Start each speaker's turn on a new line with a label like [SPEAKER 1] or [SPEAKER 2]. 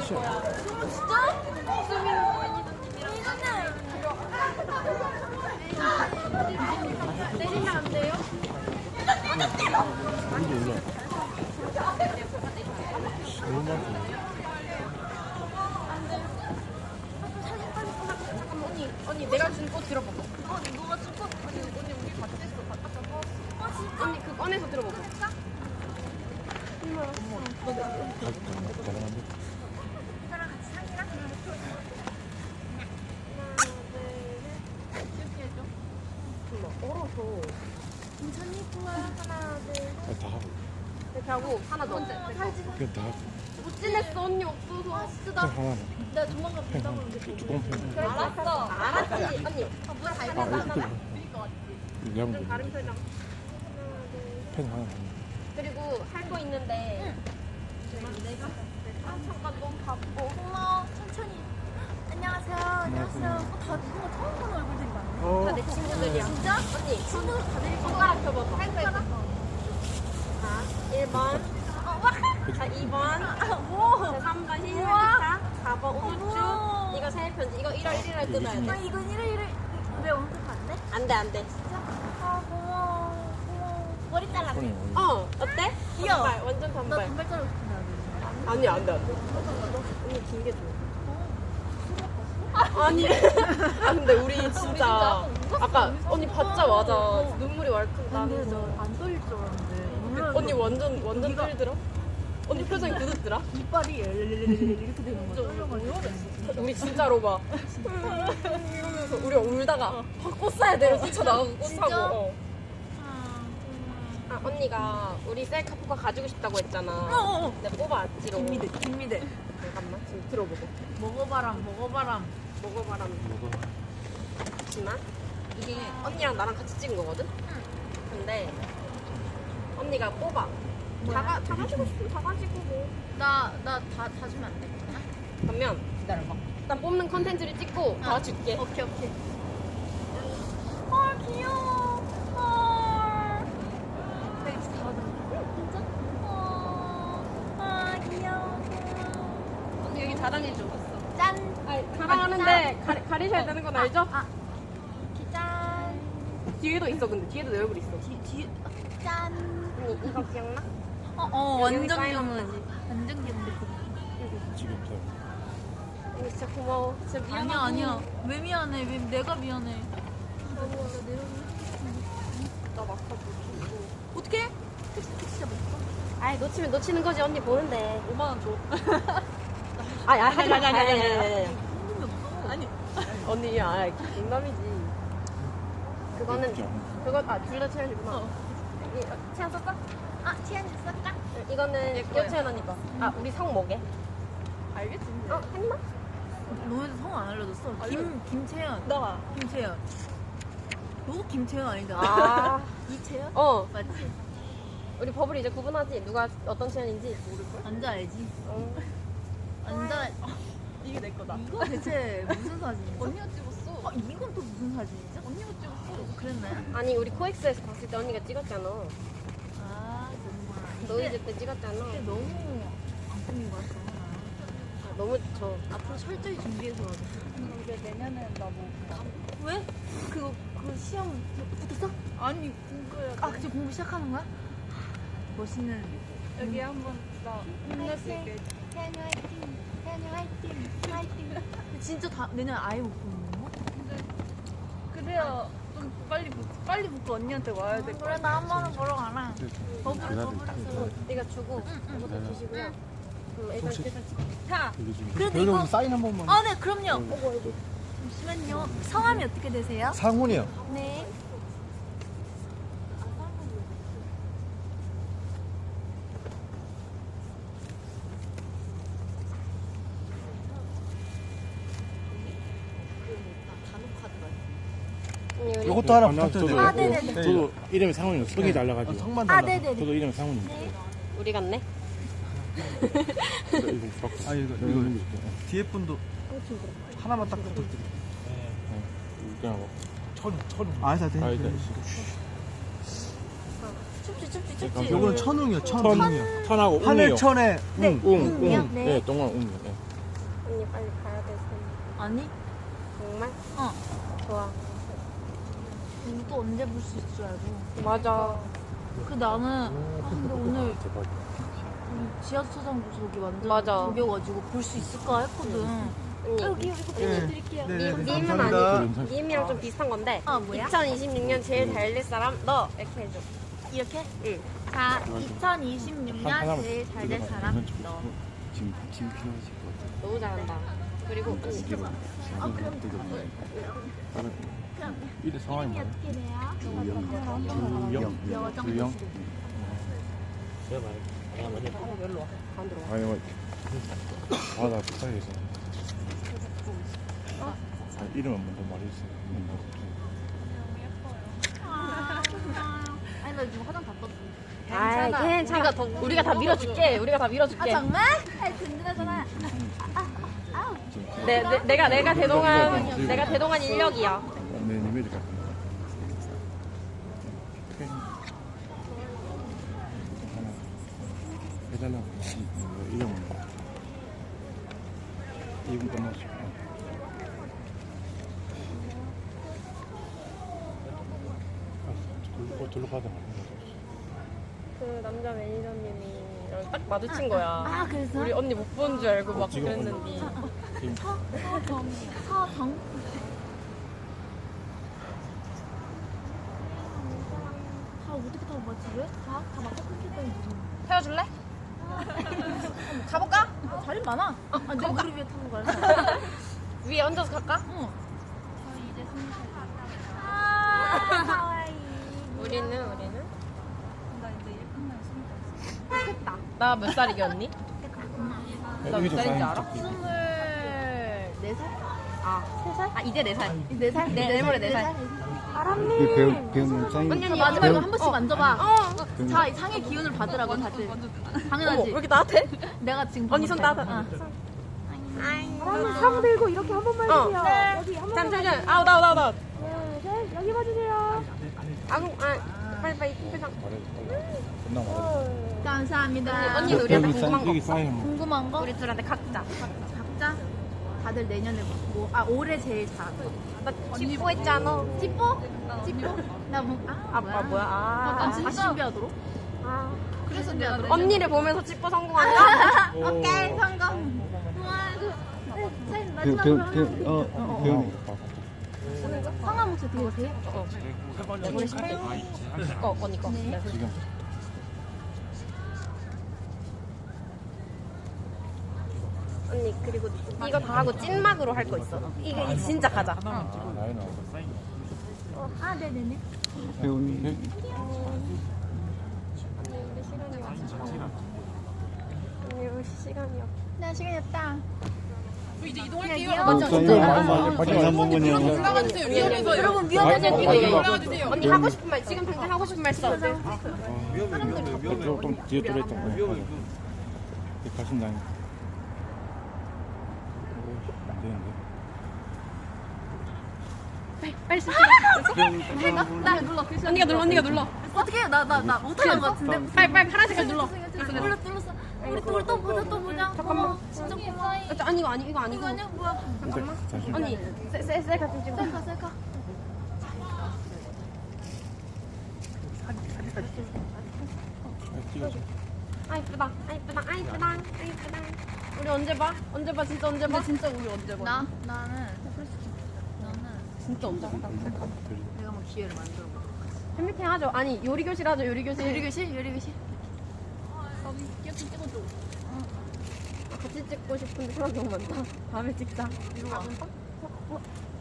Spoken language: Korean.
[SPEAKER 1] 끝이야.
[SPEAKER 2] 진짜? 내리면 안 돼요?
[SPEAKER 1] 이게 올라. 너무 많다.
[SPEAKER 2] 언니 내가 준 꽃 들어보고. 너가 준 꽃? 언니 우리 같이 했어. 바꿔서. 진짜? 언니 그 꺼내서 들어보고.
[SPEAKER 1] 가능한데?
[SPEAKER 2] 이거랑 같이 상이랑? 이렇게 해줘.
[SPEAKER 3] 얼어서.
[SPEAKER 2] 괜찮니? 하나, 둘, 셋.
[SPEAKER 1] 다 하고.
[SPEAKER 2] 이렇게 하고 하나 더.
[SPEAKER 1] 그냥 다 하고.
[SPEAKER 2] 못 지냈어 언니 없어서. 진짜
[SPEAKER 1] 펜 하나.
[SPEAKER 2] 나 조만간 본다고 그러는데.
[SPEAKER 1] 두꺼운 펜.
[SPEAKER 2] 그래 알았어. 알았지 언니. 물 갈면
[SPEAKER 1] 이렇게
[SPEAKER 2] 하나.
[SPEAKER 1] 들어. 내가
[SPEAKER 2] 좀
[SPEAKER 1] 뭐
[SPEAKER 2] 다른 표정.
[SPEAKER 1] 펜 하나.
[SPEAKER 2] 그리고 할 거 있는데. 잠깐 너무 바쁘고.
[SPEAKER 4] 고마워. 천천히. 안녕하세요. 안녕하세요. 다 누군가 처음 보는 얼굴들이 많네.
[SPEAKER 2] 다 내 친구들이야.
[SPEAKER 4] 진짜?
[SPEAKER 2] 언니
[SPEAKER 4] 친구들 다들
[SPEAKER 2] 손가락 펴봐봐. 할 거 있어. 자 1번. 자 2번. 자 3번 희생기타. 4번 우주. 이거 생일 편지. 이거 1월 1일날 끊어야
[SPEAKER 4] 아,
[SPEAKER 2] 돼.
[SPEAKER 4] 이건 이래. 왜 오늘 안 돼?
[SPEAKER 2] 안돼 안돼.
[SPEAKER 4] 진짜? 아, 고마워. 머리 잘랐네.
[SPEAKER 1] 손이 어디?
[SPEAKER 2] 어때?
[SPEAKER 4] 귀여워.
[SPEAKER 2] 단발 완전
[SPEAKER 4] 나
[SPEAKER 2] 단발.
[SPEAKER 4] 단발 자르고 싶은데.
[SPEAKER 2] 아니 안돼 안돼. 언니 길게 줘. 아니. 아 근데 우리 진짜 아까 언니 받자마자 눈물이 왈칵 나면서
[SPEAKER 4] 안 떨릴 줄 알았는데.
[SPEAKER 2] 언니 완전 떨더라. 언니 표정이 굳었더라.
[SPEAKER 4] 이빨이 이렇게 되는 거죠.
[SPEAKER 2] 우리 진짜로 막 이러면서 우리 울다가 꽃 사야 돼요. 뛰쳐나가고 꽃 사고. 어. 아 언니가 우리 셀카포카 가지고 싶다고 했잖아. 내가 뽑아왔지롱.
[SPEAKER 4] 김미대.
[SPEAKER 2] 잠깐만 지금 들어보고.
[SPEAKER 4] 먹어봐람.
[SPEAKER 2] 먹어봐라.
[SPEAKER 1] 뭐가?
[SPEAKER 2] 잠시만. 이게 언니랑 나랑 같이 찍은 거거든? 근데 언니가 뽑아. 다 가지고 싶으면 다 가지고 뭐.
[SPEAKER 4] 나 다 주면 안 돼?
[SPEAKER 2] 그러면
[SPEAKER 4] 기다려봐.
[SPEAKER 2] 난 뽑는 컨텐츠를 찍고 다 줄게.
[SPEAKER 4] 오케이. 헐, 귀여워. 헐. 내가 진짜 다 받았는데. 진짜? 아, 귀여워.
[SPEAKER 2] 언니 여기 자랑해줘.
[SPEAKER 4] 짠.
[SPEAKER 2] 자랑하는데 가리셔야 되는 건 알죠?
[SPEAKER 4] 짠.
[SPEAKER 2] 뒤에도 있어 근데 뒤에도 내 얼굴 있어.
[SPEAKER 4] 뒤 짠.
[SPEAKER 2] 언니 이거 기억나?
[SPEAKER 4] 완전
[SPEAKER 2] 여기
[SPEAKER 4] 귀여워지. 완전 귀여운데.
[SPEAKER 1] 지금 다.
[SPEAKER 2] 언니 진짜 고마워. 진짜 미안하고.
[SPEAKER 4] 아니야. 왜 미안해? 왜 내가 미안해?
[SPEAKER 2] 나 막하고.
[SPEAKER 4] 어떻게? 택시 잡았어?
[SPEAKER 2] 아이 놓치면 놓치는 거지 언니 보는데.
[SPEAKER 4] 5만 원 줘.
[SPEAKER 2] 아니 하지 마.
[SPEAKER 4] 아니. 현금이 없어.
[SPEAKER 2] 아니 언니 농담이지. 그거는 그거 둘 다 채연이구나. 채연 썼어?
[SPEAKER 4] 치안 썼다?
[SPEAKER 2] 이거는 여채연 언니 거. 우리 성 뭐게?
[SPEAKER 4] 알겠지.
[SPEAKER 2] 했나?
[SPEAKER 4] 너네도 성 안 알려줬어. 김채연.
[SPEAKER 2] 너가.
[SPEAKER 4] 김채연. 너 김채연 아니잖아.
[SPEAKER 2] 아.
[SPEAKER 4] 이채연?
[SPEAKER 2] 맞지?
[SPEAKER 4] 맞지?
[SPEAKER 2] 우리 버블이 이제 구분하지? 누가 어떤 채연인지 모를걸?
[SPEAKER 4] 앉아 알지? 앉아.
[SPEAKER 2] 이게 내 거다.
[SPEAKER 4] 이거 대체 무슨 사진이야?
[SPEAKER 2] 언니가 찍었어.
[SPEAKER 4] 이건 또 무슨 사진이죠?
[SPEAKER 2] 언니가 찍었어.
[SPEAKER 4] 그랬나요?
[SPEAKER 2] 아니 우리 코엑스에서 봤을 때 언니가 찍었잖아.
[SPEAKER 4] 정말.
[SPEAKER 2] 너희들 때 찍었잖아.
[SPEAKER 4] 근데 너무 안 꾸민 거 같아.
[SPEAKER 2] 너무
[SPEAKER 4] 앞으로 철저히 준비해서 와야 돼.
[SPEAKER 3] 이제 내년엔 나 뭐.
[SPEAKER 4] 왜? 그 시험 붙었어?
[SPEAKER 3] 아니, 공부해야 돼.
[SPEAKER 4] 지금 공부 시작하는 거야? 멋있는.
[SPEAKER 3] 여기 한번 나 힘낼 수 있게.
[SPEAKER 4] 태연이 화이팅! 태연이 화이팅! 화이팅! 진짜 내년 아예 못 보는 거?
[SPEAKER 3] 그래야 좀 빨리 붙고 언니한테 와야 될 거야.
[SPEAKER 4] 그래, 나 한 번은 보러 가라.
[SPEAKER 2] 네가 주고 이것도 주시고요. 일단
[SPEAKER 3] 자,
[SPEAKER 4] 그래도 이거.
[SPEAKER 1] 사인 한 번만.
[SPEAKER 4] 네, 그럼요. 잠시만요. 성함이 어떻게 되세요?
[SPEAKER 1] 상훈이요.
[SPEAKER 4] 네.
[SPEAKER 1] 이것도 하나 부탁드려요.
[SPEAKER 4] 네네네.
[SPEAKER 1] 저도 이름이 상훈이요. 성이 달라가지고.
[SPEAKER 5] 성만
[SPEAKER 4] 네네네.
[SPEAKER 1] 저도 이름이 상훈입니다.
[SPEAKER 2] 우리 같네.
[SPEAKER 1] 이거
[SPEAKER 5] 아 이거 뒤에 분도 하나만 딱 부탁드려.
[SPEAKER 1] 그냥 뭐 천우.
[SPEAKER 5] 아, 다 돼.
[SPEAKER 1] 아, 일단
[SPEAKER 4] 춥지.
[SPEAKER 5] 요거는 천웅이요. 천웅이요.
[SPEAKER 1] 천하고 웅이요.
[SPEAKER 5] 하늘천에
[SPEAKER 4] 네.
[SPEAKER 1] 웅.
[SPEAKER 4] 웅이요?
[SPEAKER 1] 네, 동안 웅이요. 네.
[SPEAKER 2] 언니 빨리 가야 돼서.
[SPEAKER 3] 아니?
[SPEAKER 2] 정말?
[SPEAKER 3] 어.
[SPEAKER 2] 좋아.
[SPEAKER 3] 이거 또 언제 볼 수 있을 줄 알고.
[SPEAKER 2] 맞아.
[SPEAKER 3] 그 나는 근데 오늘
[SPEAKER 1] 대박이야.
[SPEAKER 3] 지하철장 저기 완전
[SPEAKER 2] 맞아.
[SPEAKER 3] 저겨가지고 볼 수 있을까 했거든.
[SPEAKER 2] 언니.
[SPEAKER 3] 여기 드릴게요.
[SPEAKER 5] 네,
[SPEAKER 2] 밈은
[SPEAKER 5] 감사합니다.
[SPEAKER 2] 아니고 밈이랑 좀 비슷한 건데.
[SPEAKER 3] 아, 뭐야?
[SPEAKER 2] 2026년 제일 잘 될 사람 너 이렇게 해줘.
[SPEAKER 3] 이렇게?
[SPEAKER 2] 응.
[SPEAKER 3] 자, 2026년
[SPEAKER 1] 하나만
[SPEAKER 3] 제일 잘 될 사람 너.
[SPEAKER 1] 지금 필요하실 것 같아.
[SPEAKER 2] 너무 잘한다. 그리고
[SPEAKER 1] 다른 이래 상황이 뭐야?
[SPEAKER 3] 어떻게 돼요?
[SPEAKER 1] 주영. 아니 뭐. 아나 비싸게서. 이름은 먼저 말해주세요.
[SPEAKER 3] 아니 나 지금 화장 다 떴어.
[SPEAKER 2] 아 괜찮아. 우리가 다 밀어줄게. 우리가 다 밀어줄게.
[SPEAKER 3] 정말? 아 든든하잖아.
[SPEAKER 2] 내가 대동한 인력이야.
[SPEAKER 1] 네, 이메일 같은 거. 해달라고. 이름은 뭐? 이분 끝났어. 둘러 가자.
[SPEAKER 2] 그 남자 매니저님이랑 딱 마주친 거야.
[SPEAKER 3] 아 그래서?
[SPEAKER 2] 우리 언니 못 본 줄 알고 막
[SPEAKER 1] 지금
[SPEAKER 2] 그랬는데.
[SPEAKER 3] 서정. 다 어떻게 타고 가 집에? 다 막고 끊기다니
[SPEAKER 2] 태워줄래? 가볼까?
[SPEAKER 3] 자리 많아. 아, 내가 우리 위에 타고 가야
[SPEAKER 2] 위에 얹어서 갈까?
[SPEAKER 3] 응.
[SPEAKER 2] 우리는 나 몇 살이게 언니? 나 몇 살인지 알아?
[SPEAKER 3] 24살?
[SPEAKER 2] 아 3살? 아 이제 4살.
[SPEAKER 3] 4살?
[SPEAKER 2] 내일 모레 4살.
[SPEAKER 1] 배우는 짱이.
[SPEAKER 2] 언니
[SPEAKER 3] 마지막으로 한 번씩 만져봐.
[SPEAKER 2] 어.
[SPEAKER 3] 자, 상의 기운을 받으라고 다들.
[SPEAKER 2] 어머
[SPEAKER 3] 당연하지.
[SPEAKER 2] 왜 이렇게 나한테?
[SPEAKER 3] 내가 지금
[SPEAKER 2] 언니 손 따다.
[SPEAKER 4] 사람 들고 이렇게 한 번만 해주세요. 여기 한 번만.
[SPEAKER 2] 잠시만. 아웃.
[SPEAKER 4] 네, 여기 봐주세요.
[SPEAKER 2] 빨리 표정.
[SPEAKER 1] 겁나 말해.
[SPEAKER 3] 감사합니다.
[SPEAKER 2] 언니 우리한테 궁금한 거
[SPEAKER 1] 여기
[SPEAKER 2] 없어?
[SPEAKER 1] 쌓이면
[SPEAKER 3] 궁금한 거?
[SPEAKER 2] 우리 둘한테 각자.
[SPEAKER 3] 각자 다들 내년에 뭐, 올해 제일 잘하고.
[SPEAKER 2] 나 찌뽀 했잖아.
[SPEAKER 3] 찌뽀? 찌뽀? 나 뭐,
[SPEAKER 2] 뭐야?
[SPEAKER 3] 난 진짜 신비하도록?
[SPEAKER 2] 아.
[SPEAKER 3] 그래서 내가
[SPEAKER 2] 언니를 보면서 찌뽀 성공한다?
[SPEAKER 3] 오케이, 성공. 우와, 제일 마지막으로
[SPEAKER 1] 배우는
[SPEAKER 3] 성함 혹시 어떻게 되세요?
[SPEAKER 2] 우리 신발? 언니 거. 네.
[SPEAKER 1] 지금
[SPEAKER 2] 언니 그리고 이거 다 하고 찐막으로 할 거 있어. 이거 진짜 가자.
[SPEAKER 1] 나이 나와서
[SPEAKER 3] 아, 네네네.
[SPEAKER 1] 배우는
[SPEAKER 2] 우리 시간이 없어. 언니 우리 시간이 없어.
[SPEAKER 3] 나 시간이 없다.
[SPEAKER 2] 맞아.
[SPEAKER 1] 마지막 부분이요.
[SPEAKER 3] 여러분, 위험하지 않게.
[SPEAKER 2] 언니 하고 싶은 말 지금 당장 하고 싶은 말 써.
[SPEAKER 1] 조금 뒤에 들어있던 거예요. 가신 다니. 안 되는데.
[SPEAKER 2] 빨리 써.
[SPEAKER 3] 나 눌러.
[SPEAKER 2] 언니가 눌러.
[SPEAKER 3] 어떻게 해? 나 못하는 것 같은데?
[SPEAKER 2] 빨리 파란 색깔 눌러.
[SPEAKER 3] 눌렀어. 우리 또 보자.
[SPEAKER 2] 잠깐만.
[SPEAKER 3] 진짜 고마워.
[SPEAKER 2] 아니 이거 아니고.
[SPEAKER 3] 이거 아니야? 뭐야?
[SPEAKER 1] 잠시만.
[SPEAKER 2] 언니 셀카 좀 찍어.
[SPEAKER 3] 셀카.
[SPEAKER 1] 찍어줘.
[SPEAKER 2] 아 이쁘다. 우리 언제 봐? 진짜 언제 봐?
[SPEAKER 3] 진짜 우리 언제 봐? 나는
[SPEAKER 2] 진짜 언제 봐?
[SPEAKER 3] 내가 뭐 기회를 만들어 봐.
[SPEAKER 2] 팬미팅 하죠. 아니 요리 교실 하죠. 요리 교실.
[SPEAKER 3] 요리교실? 귀엽게 찍어줘.
[SPEAKER 2] 같이 찍고 싶은데 사람 너무 많다. 다음에 찍자.
[SPEAKER 3] 이리 와.